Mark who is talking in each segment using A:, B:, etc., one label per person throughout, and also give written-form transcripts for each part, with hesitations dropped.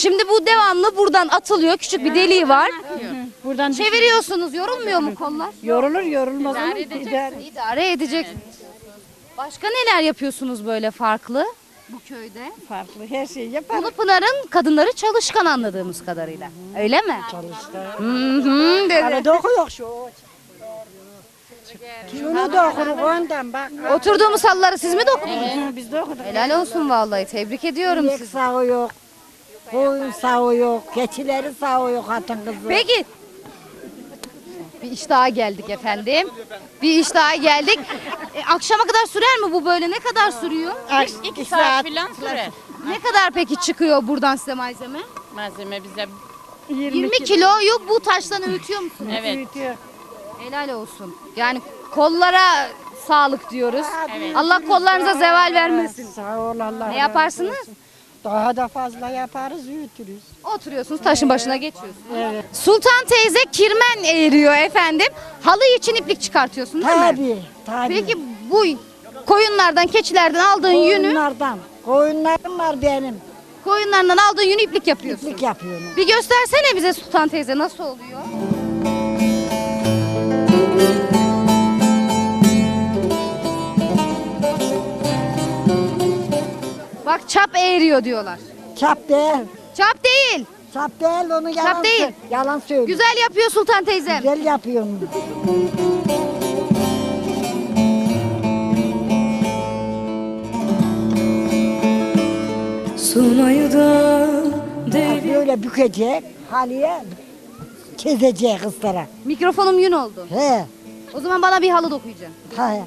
A: Şimdi bu devamlı buradan atılıyor. Küçük bir deliği var.
B: Buradan
A: Çeviriyorsunuz. Yorulmuyor mu kollar?
B: yorulur yorulmaz ama
A: İdare edecek. Başka neler yapıyorsunuz böyle farklı bu köyde?
B: farklı her şeyi yapar.
A: Bunu Pınar'ın kadınları çalışkan anladığımız kadarıyla. Öyle mi?
B: Çalışkan.
A: Hı dedi.
B: Hani dokuyor şu. Şunu da okuruk ondan bak.
A: Oturduğumuz halıları siz mi dokudunuz?
B: Biz de okuduk.
A: Helal olsun vallahi. Tebrik ediyorum
B: İnek
A: sizi.
B: sağı yok. Koyun sağı yok. Keçileri sağı yok hatun kızı.
A: Peki. Bir iş daha geldik efendim. Bir iş daha geldik. Akşama kadar sürer mi bu böyle? Ne kadar sürüyor?
B: 2 saat
C: Falan sürer.
A: Ne kadar peki çıkıyor buradan size malzeme?
C: Malzeme bize
A: 20 kiloyu bu taştan öğütüyor musunuz?
C: evet.
B: büyütüyor.
A: Helal olsun. Yani kollara sağlık diyoruz.
C: Evet.
A: Allah kollarınıza zeval vermesin.
B: Sağ ol Allah.
A: Ne yaparsınız?
B: Daha da fazla yaparız, büyütürüz.
A: Oturuyorsunuz, taşın başına geçiyorsunuz. Evet. Sultan teyze kirmen eğiriyor efendim. Halı için iplik çıkartıyorsun değil mi?
B: Tabii, tabii.
A: Peki bu koyunlardan, keçilerden aldığın yünü,
B: Koyunlardan. Koyunlarım var benim.
A: koyunlardan aldığın yünü iplik yapıyorsun.
B: İplik yapıyorum.
A: Bir göstersene bize Sultan teyze nasıl oluyor? Bak çap eğriyor diyorlar.
B: Çap değil.
A: Çap değil.
B: Çap değil, onu yalan,
A: değil.
B: yalan söylüyor.
A: Güzel yapıyor Sultan teyzem.
B: Güzel yapıyorum.
D: Sunayı da
B: Böyle bükecek, halıya kezecek kızlara.
A: Mikrofonum yün oldu.
B: He,
A: O zaman bana bir halı dokuyacaksın.
B: he.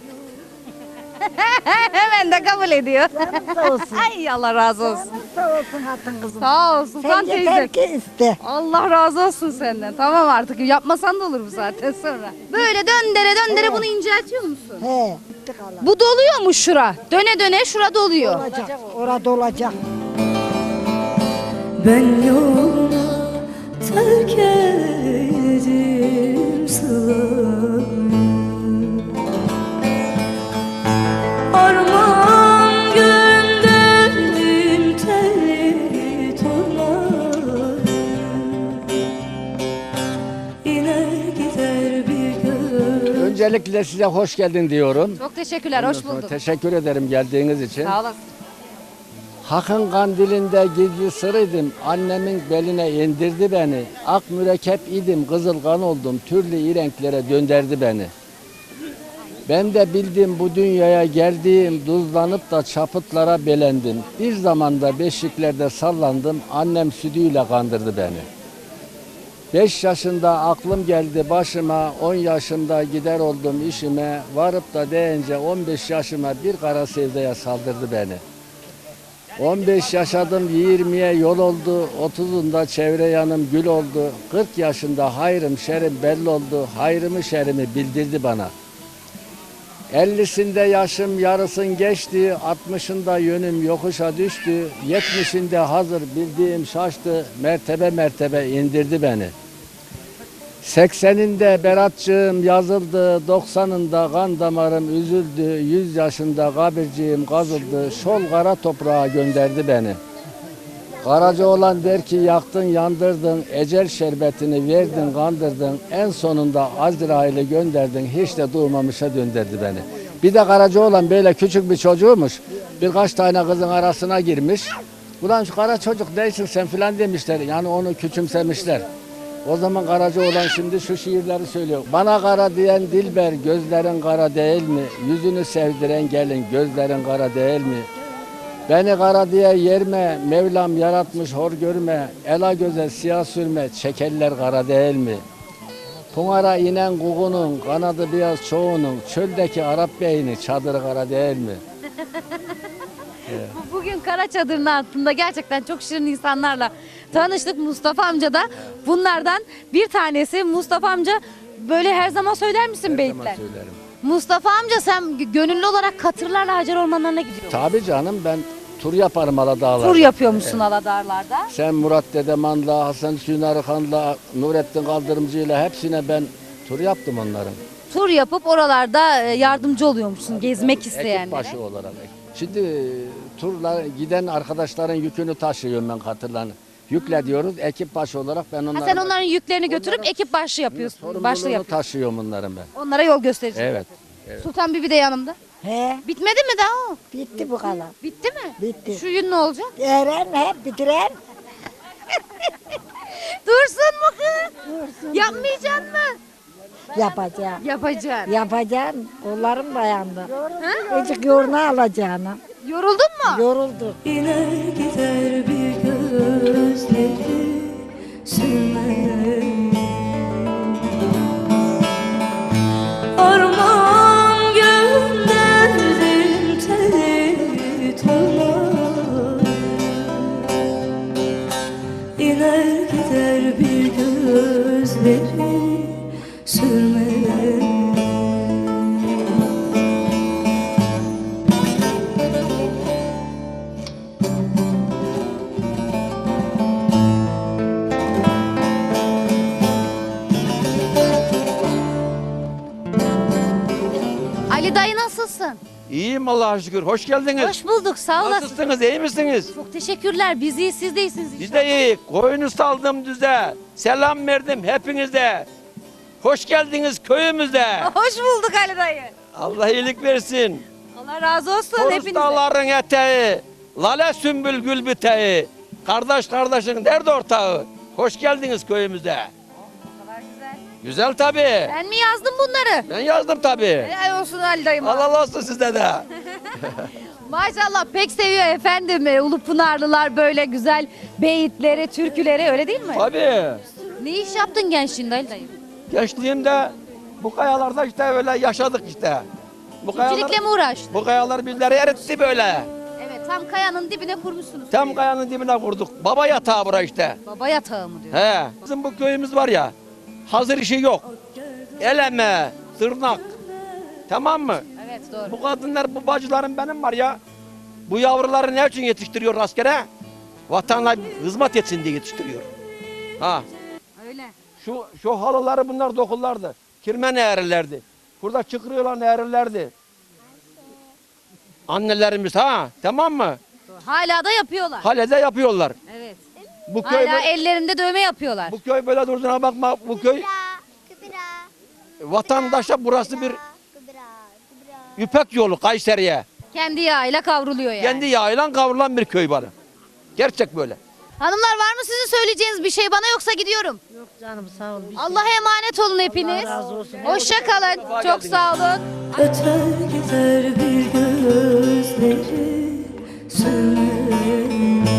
A: Hemen de kabul ediyor.
B: Sağ olsun.
A: Ay Allah razı olsun.
B: Sağ olsun hatun kızım.
A: Sağ ol Sultan
B: Sen yeter
A: teyze.
B: ki iste.
A: Allah razı olsun senden. Tamam artık yapmasan da olur bu saatten sonra. Böyle döndere döndere bunu inceltiyor musun?
B: He. Bitti kalan.
A: Bu doluyor mu şura? Döne döne şura doluyor.
B: Olacak, orada olacak.
D: ben yoluna terk ettim sılayı. Armağan gönderdim telli tornayı. İner gider bir gün.
E: Öncelikle size hoş geldin diyorum.
A: Çok teşekkürler, hoş bulduk.
E: Teşekkür ederim geldiğiniz için.
A: Sağ olasın.
E: Hak'ın kandilinde gizli sırıydım. Annemin beline indirdi beni. Ak mürekkep idim, kızıl kan oldum. Türlü renklere döndürdü beni. Ben de bildim bu dünyaya geldiğim, duzlanıp da çapıtlara belendim. Bir zamanda beşiklerde sallandım, annem sütüyle kandırdı beni. 5 yaşında aklım geldi başıma, 10 yaşında gider oldum işime. Varıp da deyince 15 yaşıma bir kara sevdaya saldırdı beni. 15 yaşadım 20'ye yol oldu, 30'unda çevre yanım gül oldu. 40 yaşında hayrım şerim belli oldu, hayrımı şerimi bildirdi bana. 50'sinde yaşım yarısın geçti, 60'ında yönüm yokuşa düştü. 70'inde hazır bildiğim şaştı, mertebe mertebe indirdi beni. 80'inde beratçığım yazıldı, 90'ında kan damarım üzüldü, 100 yaşında kabirciğim kazıldı, şol kara toprağa gönderdi beni. Karaca olan der ki yaktın yandırdın, ecel şerbetini verdin kandırdın, en sonunda Azrail'i gönderdin, hiç de duymamışa döndürdü beni. Bir de Karaca olan böyle küçük bir çocuğumuş, birkaç tane kızın arasına girmiş. Ulan şu kara çocuk değilsin sen filan demişler, yani onu küçümsemişler. O zaman Karaca olan şimdi şu şiirleri söylüyor. Bana kara diyen dilber, gözlerin kara değil mi? Yüzünü sevdiren gelin, gözlerin kara değil mi? Beni kara diye yerme, Mevlam yaratmış hor görme. Ela göze siyah sürme, çekeller kara değil mi? Pınar'a inen kuğunun, kanadı beyaz çoğunun, çöldeki Arap beyni, çadırı kara değil mi?
A: Bugün Kara Çadır'ın altında gerçekten çok şirin insanlarla tanıştık. Mustafa amca da bunlardan bir tanesi. Mustafa amca böyle her zaman söyler misin beyitler?
E: Söylerim.
A: Mustafa amca sen gönüllü olarak katırlarla Hacer ormanlarına gidiyorsun.
E: Tabii canım ben tur yaparım Aladağlar'da.
A: Tur yapıyormuşsun Aladarlar'da.
E: Sen Murat Dedeman'la, Hasan Hüsnü Arıkan'la, Nurettin Kaldırımcı'yla hepsine ben tur yaptım onların.
A: Tur yapıp oralarda yardımcı oluyormuşsun gezmek
E: Ekip
A: isteyenlere.
E: başı olarak. Şimdi turla giden arkadaşların yükünü taşıyorum ben katırların. Yükle diyoruz. Ekip başı olarak ben
A: Ha,
E: onlara
A: sen onların yüklerini götürüp ekip başlı yapıyorsun. Başlı
E: sorumluluğunu
A: yapıyorsun.
E: taşıyorum bunların ben.
A: Onlara yol gösterici.
E: Evet.
A: Sultan Bibi de yanımda.
B: He,
A: Bitmedi mi daha o?
B: bitti bu kadar.
A: Bitti mi?
B: Bitti.
A: Şu yün ne olacak?
B: Eren hep bitiren.
A: Dursun mu kız? Yapmayacaksın mı?
B: Yapacağım.
A: Yapacaksın.
B: Yapacağım. Kollarım dayandı. Azıcık yoğurna alacağını.
A: Yoruldun mu?
B: Yoruldu.
D: İner gider bir gözleri sürmeden Armağan gönderdim teli torlar İner gider bir gözleri sürmeden
A: Ali dayı nasılsın?
C: İyiyim Allah'a şükür. Hoş geldiniz.
A: Hoş bulduk, sağ olasın.
C: Nasılsınız? İyi misiniz?
A: Çok teşekkürler. Biz iyiyiz, siz de iyisiniz
C: Biz
A: inşallah.
C: de iyi. Koyunu saldım düze. Selam verdim hepinize. Hoş geldiniz köyümüze.
A: Hoş bulduk Ali dayı.
C: Allah iyilik versin.
A: Allah razı olsun
C: Torus
A: hepinize.
C: dağların eteği. Lale sümbül gül biteği. Kardeş kardeşin dert ortağı. Hoş geldiniz köyümüze.
A: kadar güzel.
C: Güzel tabii.
A: Ben mi yazdım bunları?
C: Ben yazdım tabii.
A: Helal olsun Ali dayım.
C: Allah olsun sizde de.
A: Maşallah pek seviyor efendim. Ulupınarlılar böyle güzel beyitleri, türküleri öyle değil mi?
C: Tabii.
A: Ne iş yaptın gençliğinde Ali dayım?
C: Gençliğimde bu kayalarda işte öyle yaşadık işte. Bu
A: Çiftçilikle mi uğraştın?
C: Bu kayalar bizleri eritti böyle.
A: Evet tam kayanın dibine kurmuşsunuz.
C: Tam kayanın dibine kurduk. Baba yatağı bura işte.
A: Baba yatağı mı diyor?
C: He. Bizim bu köyümüz var ya, hazır işi yok. Eleme, tırnak. Tamam mı?
A: Evet doğru.
C: Bu kadınlar, bu bacılarım benim var ya. Bu yavruları ne için yetiştiriyor askere? Vatanına hizmet etsin diye yetiştiriyor. Ha.
A: Öyle.
C: Şu halıları bunlar dokullardı. Kirmen eğrilerdi. Burada çıkırıyorlar eğrilerdi. Annelerimiz ha, tamam mı?
A: Hala da yapıyorlar.
C: Halede yapıyorlar.
A: Evet.
C: Bu köy
A: Hala ellerinde dövme yapıyorlar.
C: bu köy böyle durduğuna bakma. Bu köy vatandaşa burası bir İpek yolu Kayseri'ye.
A: Kendi yağıyla kavruluyor yani.
C: Kendi yağıyla kavrulan bir köy bana. Gerçek böyle.
A: Hanımlar var mı sizin söyleyeceğiniz bir şey bana yoksa gidiyorum.
B: Yok canım sağ ol.
A: Allah'a emanet olun hepiniz.
B: Allah razı olsun.
A: Hoşça kalın. Çok sağ olun.
D: Öter gider bir gözleri sürmeden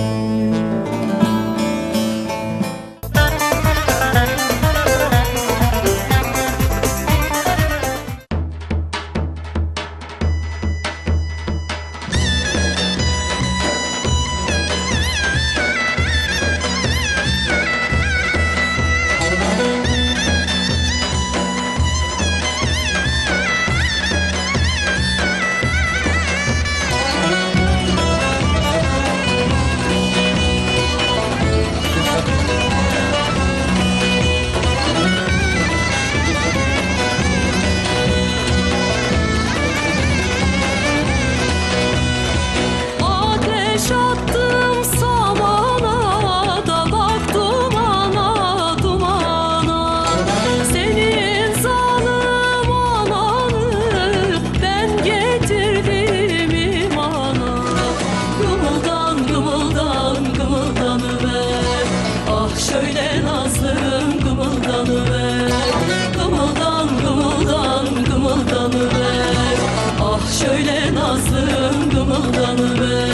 D: Ateş attım samana da baktım ana dumana Senin zalim ananı ben getirdim imana Gımıldan gımıldan gımıldanıver Ah şöyle nazlım gımıldanıver Gımıldan gımıldan gımıldanıver Ah şöyle nazlım gımıldanıver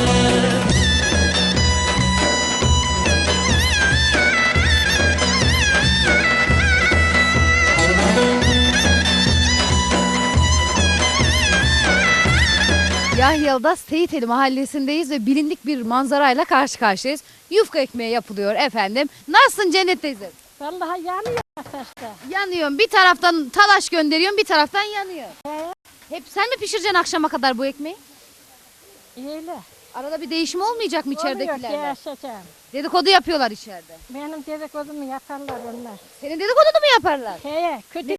A: Yahyalı'da Seyiteli mahallesindeyiz ve bilindik bir manzarayla karşı karşıyayız. Yufka ekmeği yapılıyor efendim. Nasılsın Cennet teyze?
B: Vallahi yanıyor ateşte.
A: Yanıyorum. Bir taraftan talaş gönderiyorum, bir taraftan yanıyor. Hep sen mi pişireceksin akşama kadar bu ekmeği?
B: İyiyle.
A: Arada bir değişim olmayacak mı
B: Oluyor
A: içeridekilerle?
B: yaşayacağım.
A: Dedikodu yapıyorlar içeride.
B: Benim dedikodumu yaparlar onlar.
A: Senin dedikodunu mu yaparlar?
B: Kötü